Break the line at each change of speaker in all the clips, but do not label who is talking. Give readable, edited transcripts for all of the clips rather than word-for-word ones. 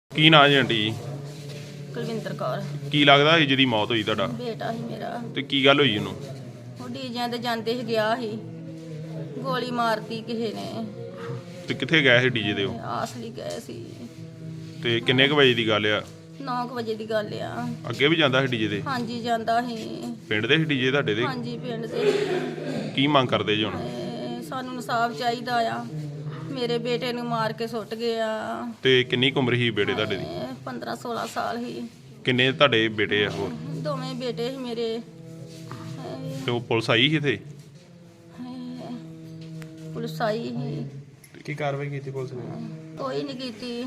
ਕੀ ਨਾਂ ਜੀ ਆਂਟੀ ਜੀ?
ਕੁਲਵਿੰਦਰ ਕੌਰ।
ਕੀ ਲੱਗਦਾ ਸੀ ਜਿਹਦੀ ਮੌਤ ਹੋਈ ਤੁਹਾਡਾ?
ਬੇਟਾ ਸੀ ਮੇਰਾ।
ਤੇ ਕੀ ਗੱਲ ਹੋਈ ਉਹਨੂੰ?
ਉਹ ਡੀਜਿਆਂ ਤੇ ਜਾਂਦੇ ਸੀ, ਗਿਆ ਸੀ, ਗੋਲੀ ਮਾਰਤੀ ਕਿਸੇ ਨੇ।
ਤੇ ਕਿੱਥੇ ਗਏ ਸੀ ਡੀਜੇ ਦੇ ਉਹ?
ਆਸਲੀ ਗਏ ਸੀ।
ਤੇ ਕਿੰਨੇ ਕੁ ਵਜੇ ਦੀ ਗੱਲ ਆ?
9 ਵਜੇ ਦੀ ਗੱਲ ਆ।
ਅੱਗੇ ਵੀ ਜਾਂਦਾ ਸੀ ਡੀਜੇ ਤੇ?
ਹਾਂਜੀ ਜਾਂਦਾ ਸੀ।
ਪਿੰਡ ਦੇ ਸੀ ਡੀਜੇ ਤੁਹਾਡੇ ਦੇ?
ਹਾਂਜੀ ਪਿੰਡ ਦੇ।
ਕੀ ਮੰਗ ਕਰਦੇ ਜੀ ਹੁਣ?
ਸਾਨੂੰ ਇਨਸਾਫ ਚਾਹੀਦਾ ਆ। ਮੇਰੇ ਬੇਟੇ ਨੂੰ ਮਾਰ ਕੇ ਸੁੱਟ ਗਿਆ।
ਤੇ ਕਿੰਨੀ ਕੁ ਉਮਰ ਸੀ ਬੇਟੇ ਤੁਹਾਡੇ ਦੀ?
15-16 ਸਾਲ ਸੀ।
ਕਿੰਨੇ ਤੁਹਾਡੇ ਬੇਟੇ ਆ ਹੋਰ?
ਦੋਵੇਂ ਬੇਟੇ ਸੀ ਮੇਰੇ।
ਤੇ ਉਹ ਪੁਲਿਸ ਆਈ ਸੀ ਇੱਥੇ?
ਪੁਲਿਸ ਆਈ ਸੀ।
ਕੀ ਕਾਰਵਾਈ ਕੀਤੀ ਪੁਲਿਸ ਨੇ?
ਕੋਈ ਨਹੀਂ ਕੀਤੀ।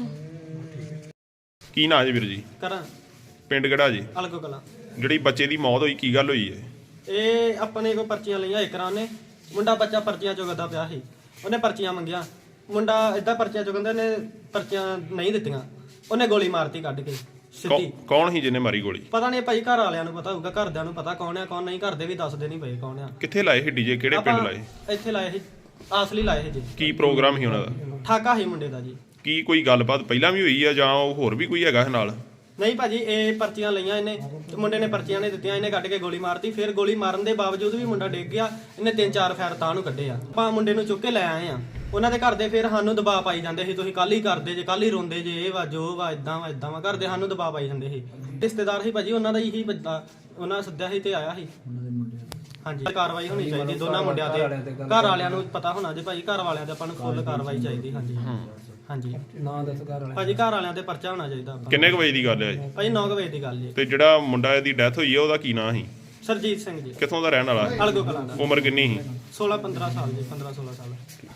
ਕੀ ਨਾਂ ਜੀ ਵੀਰ ਜੀ?
ਕਰਾਂ
ਪਿੰਡ ਕਿਹੜਾ ਜੀ?
ਅਲਗੋ ਕਲਾਂ।
ਜਿਹੜੀ ਬੱਚੇ ਦੀ ਮੌਤ ਹੋਈ ਕੀ ਗੱਲ ਹੋਈ ਹੈ?
ਇਹ ਆਪਣੇ ਕੋ ਪਰਚੀਆਂ ਲਈਆਂ ਇੱਕ ਨੇ ਮੁੰਡਾ ਬੱਚਾ ਪਰਚੀਆਂ ਚੁਗਦਾ ਪਿਆ ਸੀ। ਉਹਨੇ ਪਰਚੀਆਂ ਮੰਗੀਆਂ। ਮੁੰਡਾ ਇਦਾਂ ਪਰਚੀਆਂ ਚੁਗੰਦੇ ਨੇ, ਪਰਚੀਆਂ ਨਹੀਂ ਦਿੱਤੀਆਂ। ਉਹਨੇ ਗੋਲੀ ਮਾਰਤੀ ਕੱਢ ਕੇ ਸਿੱਧੀ।
ਕੌਣ ਸੀ ਜਿਹਨੇ ਮਾਰੀ ਗੋਲੀ?
ਪਤਾ ਨਹੀਂ ਭਾਈ, ਘਰ ਵਾਲਿਆਂ ਨੂੰ ਪਤਾ ਹੋਊਗਾ, ਘਰਦਿਆਂ ਨੂੰ ਪਤਾ ਕੌਣ ਆ ਕੌਣ ਨਹੀਂ। ਘਰ ਦੇ ਵੀ ਦੱਸਦੇ ਨਹੀਂ ਪਏ ਕੌਣ ਆ।
ਕਿੱਥੇ ਲਾਏ ਸੀ ਡੀਜੇ? ਕਿਹੜੇ ਪਿੰਡ ਲਾਏ?
ਇੱਥੇ ਲਾਏ ਸੀ, ਆਸਲੀ ਲਾਏ ਸੀ ਜੀ।
ਕੀ ਪ੍ਰੋਗਰਾਮ ਸੀ ਉਹਨਾਂ ਦਾ?
ਠਾਕਾ ਸੀ ਮੁੰਡੇ ਦਾ ਜੀ।
ਕੀ ਕੋਈ ਗੱਲਬਾਤ ਪਹਿਲਾਂ ਵੀ ਹੋਈ ਆ ਜਾਂ ਉਹ ਹੋਰ ਵੀ ਕੋਈ ਹੈਗਾ ਨਾਲ?
ਨਹੀਂ ਭਾਜੀ, ਇਹ ਪਰਚੀਆਂ ਲਈਆਂ ਇਹਨੇ ਤੇ ਮੁੰਡੇ ਨੇ ਪਰਚੀਆਂ ਨੇ ਦਿੱਤੀਆਂ, ਇਹਨੇ ਕੱਢ ਕੇ ਗੋਲੀ ਮਾਰਤੀ। ਫਿਰ ਗੋਲੀ ਮਾਰਨ ਦੇ ਬਾਵਜੂਦ ਵੀ ਮੁੰਡਾ ਡਿੱਗ ਗਿਆ। ਇਹਨੇ 3-4 ਫੈਰ ਤਾਂ ਨੂੰ ਕੱਢੇ ਆ। ਆਪਾਂ ਮੁੰਡੇ ਨੂੰ ਚੁੱਕ ਕੇ ਲੈ ਆਏ ਆ। ਉਹਨਾਂ ਦੇ ਘਰ ਦੇ ਫਿਰ ਸਾਨੂੰ ਦਬਾਅ ਪਾਈ ਜਾਂਦੇ ਸੀ, ਤੁਸੀਂ ਕੱਲ ਹੀ ਕਰਦੇ ਜੇ, ਕੱਲ ਹੀ ਰੋਂਦੇ ਜੇ, ਇਹ ਵਾ ਜੋ ਵਾ, ਇਦਾਂ ਵਾ ਇਦਾਂ ਵਾ। ਘਰ ਦੇ ਸਾਨੂੰ ਦਬਾਅ ਪਾਈ ਜਾਂਦੇ ਸੀ। ਰਿਸ਼ਤੇਦਾਰ ਸੀ ਭਾਜੀ ਉਹਨਾਂ ਦਾ ਹੀ ਬੰਦਾ, ਉਹਨਾਂ ਸੱਦਿਆ ਸੀ ਤੇ ਆਇਆ ਸੀ। ਹਾਂਜੀ, ਕਾਰਵਾਈ ਹੋਣੀ ਚਾਹੀਦੀ ਦੋਨਾਂ ਮੁੰਡਿਆਂ ਤੇ। ਘਰ ਵਾਲਿਆਂ ਨੂੰ ਪਤਾ ਹੋਣਾ ਜੇ ਭਾਜੀ, ਘਰ ਵਾਲਿਆਂ ਤੇ ਆਪਾਂ ਨੂੰ ਫੁੱਲ ਕਾਰਵਾਈ ਚਾਹੀਦੀ। ਹਾਂਜੀ ਹਾਂਜੀ, ਨਾਂ ਦੱਸ ਘਰ ਵਾਲਿਆਂ ਭਾਜੀ। ਘਰ ਵਾਲਿਆਂ ਤੇ ਪਰਚਾ ਹੋਣਾ ਚਾਹੀਦਾ।
ਕਿੰਨੇ ਕੁ ਵਜੇ ਦੀ ਗੱਲ ਹੈ ਜੀ?
ਭਾਜੀ 9 ਵਜੇ ਦੀ ਗੱਲ ਜੀ।
ਤੇ ਜਿਹੜਾ ਮੁੰਡਾ ਦੀ ਡੈਥ ਹੋਈ ਹੈ ਉਹਦਾ ਕੀ ਨਾਂ ਸੀ?
ਸਰਜੀਤ ਸਿੰਘ ਜੀ।
ਕਿੱਥੋਂ ਦਾ ਰਹਿਣ ਵਾਲਾ?
ਅਲਗੋ ਕਲਾਂ ਦਾ।
ਉਮਰ ਕਿੰਨੀ ਸੀ?
16-15 ਸਾਲ ਜੀ, 15-16 ਸਾਲ।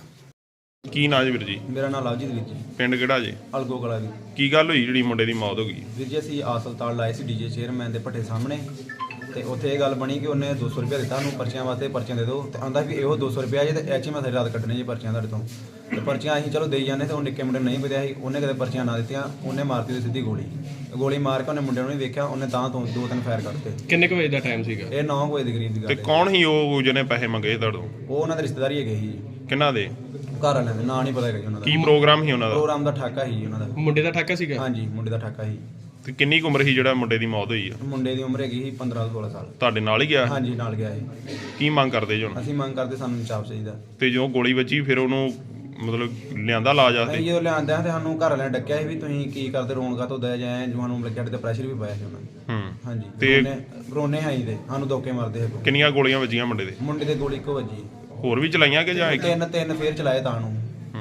ਕੀ ਨਾਂ ਜੀ ਵੀਰ ਜੀ?
ਮੇਰਾ ਨਾਮ ਲਵਜੀਤ ਵੀਰ ਜੀ।
ਪਿੰਡ ਕਿਹੜਾ ਜੀ?
ਅਲਗੋ ਕਲਾ ਜੀ।
ਕੀ ਗੱਲ ਹੋਈ ਜਿਹੜੀ ਮੁੰਡੇ ਦੀ ਮੌਤ ਹੋ ਗਈ?
ਵੀਰ ਜੀ ਅਸੀਂ ਹਸਪਤਾਲ ਲਾਏ ਸੀ ਡੀਜੇ ਚੇਅਰਮੈਨ ਦੇ ਭੱਠੇ ਸਾਹਮਣੇ, ਤੇ ਉੱਥੇ ਇਹ ਗੱਲ ਬਣੀ ਕਿ ਉਹਨੇ 200 ਰੁਪਇਆ ਦਿੱਤਾ ਉਹਨੂੰ ਪਰਚੀਆਂ ਵਾਸਤੇ, ਪਰਚੀਆਂ ਦੇ ਦਿਓ। ਤੇ ਆਂਦਾ ਵੀ ਇਹੋ 200 ਰੁਪਇਆ ਜੇ, ਤੇ ਐਚ ਮੈਂ ਸਾਰੀ ਰਾਤ ਕੱਢਣੀ ਜੀ ਪਰਚੀਆਂ ਤੁਹਾਡੇ ਤੋਂ। ਤੇ ਪਰਚੀਆਂ ਅਸੀਂ ਚਲੋ ਦੇਈ ਜਾਂਦੇ, ਤੇ ਉਹ ਨਿੱਕੇ ਮੁੰਡੇ ਨੂੰ ਨਹੀਂ ਪਤਾ ਸੀ। ਉਹਨੇ ਕਦੇ ਪਰਚੀਆਂ ਨਾ ਦਿੱਤੀਆਂ, ਉਹਨੇ ਮਾਰਤੀ ਉਹਦੀ ਸਿੱਧੀ ਗੋਲੀ। ਗੋਲੀ ਮਾਰ ਕੇ ਉਹਨੇ ਮੁੰਡੇ ਨੂੰ ਨਹੀਂ ਵੇਖਿਆ, ਉਹਨੇ ਤਾਂ ਤੋਂ 2-3 ਫਾਇਰ ਕੱਢਤੇ।
ਕਿੰਨੇ ਕੁ ਵਜੇ ਦਾ ਟਾਈਮ ਸੀਗਾ?
ਇਹ 9 ਵਜੇ ਦੇ ਕਰੀਬ ਦੀ ਗੱਲ
ਤੇ
ਹੈ।
ਕੌਣ ਸੀ ਉਹ ਜਿਹਨੇ ਪੈਸੇ ਮੰਗੇ ਤੁਹਾਡੇ ਤੋਂ?
ਉਹ ਉਹਨਾਂ ਦੇ ਰਿਸ਼ਤੇਦਾਰ ਹੀ ਹੈਗੇ ਸੀ ਜੀ,
ਕਿਹਨਾਂ ਦੇ?
ਘਰ ਵਾਲਿਆਂ ਦੇ। ਨਾਂ ਨਹੀਂ ਪਤਾ ਹੈਗਾ ਜੀ ਉਹਨਾਂ ਦਾ।
ਕੀ ਪ੍ਰੋਗਰਾਮ ਸੀ ਉਹਨਾਂ ਦਾ?
ਪ੍ਰੋਗਰਾਮ ਦਾ ਠਾਕਾ ਸੀ ਜੀ ਉਹਨਾਂ ਦਾ।
ਮੁੰਡੇ ਦਾ ਠਾਕਾ ਸੀਗਾ?
ਹਾਂਜੀ, ਮੁੰਡੇ ਦਾ ਠਾਕਾ ਸੀ।
ਤੇ ਕਿੰਨੀ ਕੁ ਉਮਰ ਸੀ ਜਿਹੜਾ ਮੁੰਡੇ ਦੀ ਮੌਤ ਹੋਈ ਆ?
ਮੁੰਡੇ ਦੀ ਉਮਰ ਹੈਗੀ ਸੀ 15-16 ਸਾਲ।
ਤੁਹਾਡੇ ਨਾਲ ਹੀ ਗਿਆ?
ਹਾਂਜੀ, ਨਾਲ ਗਿਆ ਸੀ।
ਕੀ ਮੰਗ ਕਰਦੇ ਜੀ ਹੁਣ?
ਅਸੀਂ ਮੰਗ ਕਰਦੇ ਸਾਨੂੰ ਇਨਸਾਫ ਚਾਹੀਦਾ।
ਤੇ ਜਦੋਂ ਗੋਲੀ ਵੱਜੀ ਫਿਰ ਉਹਨੂੰ ਮਤਲਬ ਲਿਆਂਦਾ ਲਾਜ ਆਸਤੇ?
ਅਸੀਂ ਜਦੋਂ ਲਿਆਂਦਿਆਂ ਤੇ ਸਾਨੂੰ ਘਰ ਵਾਲਿਆਂ ਨੇ ਡੱਕਿਆ ਸੀ ਵੀ ਤੁਸੀਂ ਕੀ ਕਰਦੇ, ਰੋਣਗਾ ਤੋਂ ਦਇਆ ਜਾਏ ਜਵਾਨੂੰ ਲੱਗਿਆ ਤੇ ਪ੍ਰੈਸ਼ਰ ਵੀ ਪਾਇਆ ਸੀ ਉਹਨਾਂ ਨੇ। ਹਾਂਜੀ,
ਤੇ
ਰੋਨੇ ਆਈ ਦੇ ਸਾਨੂੰ ਧੋਕੇ ਮਾਰਦੇ ਸੀ।
ਕਿੰਨੀਆਂ ਗੋਲੀਆਂ ਵੱਜੀਆਂ ਮੁੰਡੇ ਦੇ?
ਮੁੰਡੇ ਦੇ ਗੋਲੀ ਇੱਕੋ ਵੱਜੀ।
ਹੋਰ ਵੀ ਚਲਾਈਆਂ ਕਿ ਜਾਂ ਇੱਕ?
ਤਿੰਨ ਫੇਰ ਚਲਾਏ ਤਾਂ ਨੂੰ।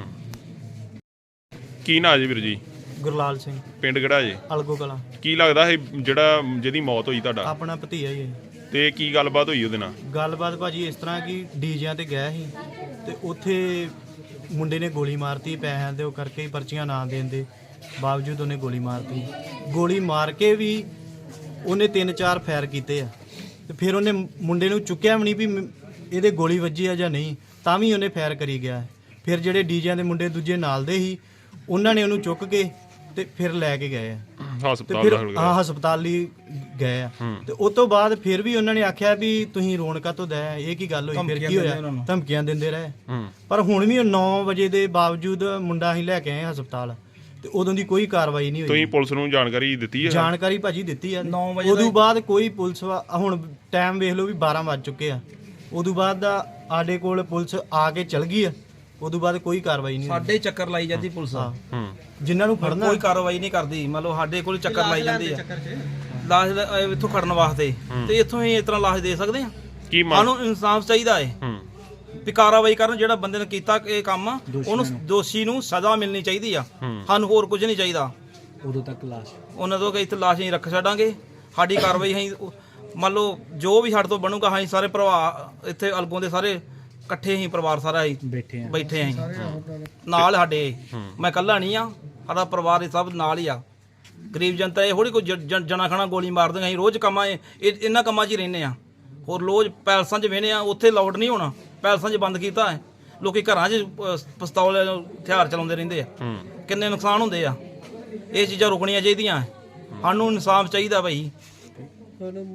ਕੀ ਨਾਂ ਜੀ ਵੀਰ ਜੀ?
ਗੁਰਲਾਲ ਸਿੰਘ।
ਪਿੰਡ ਕਿਹੜਾ ਜੀ?
ਅਲਗੋ ਕਲਾਂ।
ਕੀ ਲੱਗਦਾ ਹੈ ਜਿਹੜਾ ਜਿਹਦੀ ਮੌਤ ਹੋਈ ਤੁਹਾਡਾ?
ਆਪਣਾ ਭਤੀਆ ਹੀ ਹੈ।
ਤੇ ਕੀ ਗੱਲਬਾਤ ਹੋਈ ਉਹਦੇ ਨਾਲ?
ਗੱਲਬਾਤ ਭਾਜੀ ਇਸ ਤਰ੍ਹਾਂ ਕਿ ਡੀਜਿਆਂ ਤੇ ਗਿਆ ਸੀ ਤੇ ਉੱਥੇ ਮੁੰਡੇ ਨੇ ਗੋਲੀ ਮਾਰਤੀ ਪੈਸਿਆਂ ਦੇ ਉਹ ਕਰਕੇ ਹੀ, ਪਰਚੀਆਂ ਨਾ ਦੇਣ ਦੇ ਬਾਵਜੂਦ ਉਹਨੇ ਗੋਲੀ ਮਾਰਤੀ। ਗੋਲੀ ਮਾਰ ਕੇ ਵੀ ਉਹਨੇ 3-4 ਫਾਇਰ ਕੀਤੇ ਆ, ਤੇ ਫਿਰ ਉਹਨੇ ਮੁੰਡੇ ਨੂੰ ਚੁੱਕਿਆ ਵੀ ਨਹੀਂ ਵੀ ਇਹਦੇ ਗੋਲੀ ਵੱਜੀ ਆ ਜਾਂ ਨਹੀਂ, ਤਾਂ ਵੀ ਉਹਨੇ ਫਾਇਰ ਕਰੀ ਗਿਆ। ਫਿਰ ਜਿਹੜੇ ਡੀਜਿਆਂ ਦੇ ਮੁੰਡੇ ਦੂਜੇ ਨਾਲ ਦੇ ਸੀ, ਉਹਨਾਂ ਨੇ ਉਹਨੂੰ ਚੁੱਕ ਕੇ ਤੇ ਫਿਰ ਲੈ ਕੇ ਗਏ ਆ। ਤੇ
ਹਸਪਤਾਲ
ਫਿਰ
ਦਾਖਲ ਕਰਾਇਆ?
ਹਸਪਤਾਲ ਲਈ ਗਏ ਆ। ਤੇ ਉਸ ਤੋਂ ਬਾਅਦ ਫਿਰ ਵੀ ਉਹਨਾਂ ਨੇ ਆਖਿਆ ਵੀ ਤੁਸੀਂ ਰੋਣਕਾ ਤੋਂ ਦਇਆ, ਇਹ ਕੀ ਗੱਲ ਹੋਈ, ਫਿਰ ਕੀ ਹੋਇਆ, ਧਮਕੀਆਂ ਦਿੰਦੇ ਰਹੇ। ਪਰ ਹੁਣ ਵੀ 9 ਵਜੇ ਦੇ ਬਾਵਜੂਦ ਮੁੰਡਾ ਅਸੀਂ ਲੈ ਕੇ ਆਏ ਹਸਪਤਾਲ, ਤੇ ਉਦੋਂ ਦੀ ਕੋਈ ਕਾਰਵਾਈ ਨਹੀਂ ਹੋਈ।
ਤੁਸੀਂ ਪੁਲਿਸ ਨੂੰ ਜਾਣਕਾਰੀ ਦਿੱਤੀ ਹੈ?
ਜਾਣਕਾਰੀ ਭਾਜੀ ਦਿੱਤੀ ਆ। ਉਦੋਂ ਬਾਅਦ ਕੋਈ ਪੁਲਿਸ ਹੁਣ ਟਾਈਮ ਵੇਖ ਲਓ ਵੀ 12 ਵੱਜ ਚੁੱਕੇ ਆ। ਉਦੋਂ ਬਾਅਦ ਦਾ ਸਾਡੇ ਕੋਲ ਪੁਲਿਸ ਆ ਕੇ ਚਲ ਗਈ ਆ। ਉਦੋਂ ਬਾਅਦ ਕੋਈ ਕਾਰਵਾਈ ਨਹੀਂ।
ਸਾਡੇ ਚੱਕਰ ਲਾਈ ਜਾਂਦੀ ਪੁਲਿਸ,
ਜਿਨ੍ਹਾਂ ਨੂੰ ਫੜਨਾ
ਕੋਈ ਕਾਰਵਾਈ ਨਹੀਂ ਕਰਦੀ। ਮੰਨ ਲਓ ਸਾਡੇ ਕੋਲ ਚੱਕਰ ਲਾਈ ਜਾਂਦੀ ਆ ਲਾਸ਼ ਇੱਥੋਂ ਖੜਨ ਵਾਸਤੇ, ਤੇ ਇੱਥੋਂ ਹੀ ਇਸ ਤਰ੍ਹਾਂ ਲਾਸ਼ ਦੇ ਸਕਦੇ ਆ।
ਕੀ
ਸਾਨੂੰ ਇਨਸਾਫ ਚਾਹੀਦਾ ਹੈ ਵੀ ਕਾਰਵਾਈ ਕਰਨ। ਜਿਹੜਾ ਬੰਦੇ ਨੇ ਕੀਤਾ ਇਹ ਕੰਮ, ਉਹਨੂੰ ਦੋਸ਼ੀ ਨੂੰ ਸਜ਼ਾ ਮਿਲਣੀ ਚਾਹੀਦੀ ਆ। ਸਾਨੂੰ ਹੋਰ ਕੁਝ ਨਹੀਂ ਚਾਹੀਦਾ।
ਉਦੋਂ ਤੱਕ ਲਾਸ਼
ਉਹਨਾਂ ਤੋਂ ਕਿ ਇੱਥੇ ਲਾਸ਼ ਨਹੀਂ ਰੱਖ ਛੱਡਾਂਗੇ। ਸਾਡੀ ਕਾਰਵਾਈ ਅਸੀਂ ਮੰਨ ਲਓ ਜੋ ਵੀ ਸਾਡੇ ਤੋਂ ਬਣੂਗਾ, ਅਸੀਂ ਸਾਰੇ ਭਰਾ ਇੱਥੇ ਅਲਗੋਂ ਦੇ ਸਾਰੇ ਇਕੱਠੇ ਹੀ ਪਰਿਵਾਰ ਸਾਰਾ ਹੀ ਬੈਠੇ ਆਂ ਨਾਲ ਸਾਡੇ। ਮੈਂ ਇਕੱਲਾ ਨਹੀਂ ਆ, ਸਾਡਾ ਪਰਿਵਾਰ ਇਹ ਸਭ ਨਾਲ ਹੀ ਆ। ਗਰੀਬ ਜਨਤਾ ਇਹ ਥੋੜੀ ਕੋਈ ਜਣਾ ਖਣਾ ਗੋਲੀ ਮਾਰ ਦਿੰਦੇ। ਅਸੀਂ ਰੋਜ਼ ਕੰਮਾਂ ਇਹਨਾਂ ਕੰਮਾਂ 'ਚ ਹੀ ਰਹਿੰਦੇ ਆ। ਹੋਰ ਰੋਜ਼ ਪੈਲਸਾਂ 'ਚ ਵਹਿੰਦੇ ਆ, ਉੱਥੇ ਲਾਊਡ ਨਹੀਂ ਹੋਣਾ। ਪੈਲਸਾਂ 'ਚ ਬੰਦ ਕੀਤਾ ਹੈ। ਲੋਕੀ ਘਰਾਂ 'ਚ ਪਿਸਤੌਲ ਹਥਿਆਰ ਚਲਾਉਂਦੇ ਰਹਿੰਦੇ ਆ। ਕਿੰਨੇ ਨੁਕਸਾਨ ਹੁੰਦੇ ਆ। ਇਹ ਚੀਜ਼ਾਂ ਰੁਕਣੀਆਂ ਚਾਹੀਦੀਆਂ। ਸਾਨੂੰ ਇਨਸਾਫ ਚਾਹੀਦਾ ਭਾਈ।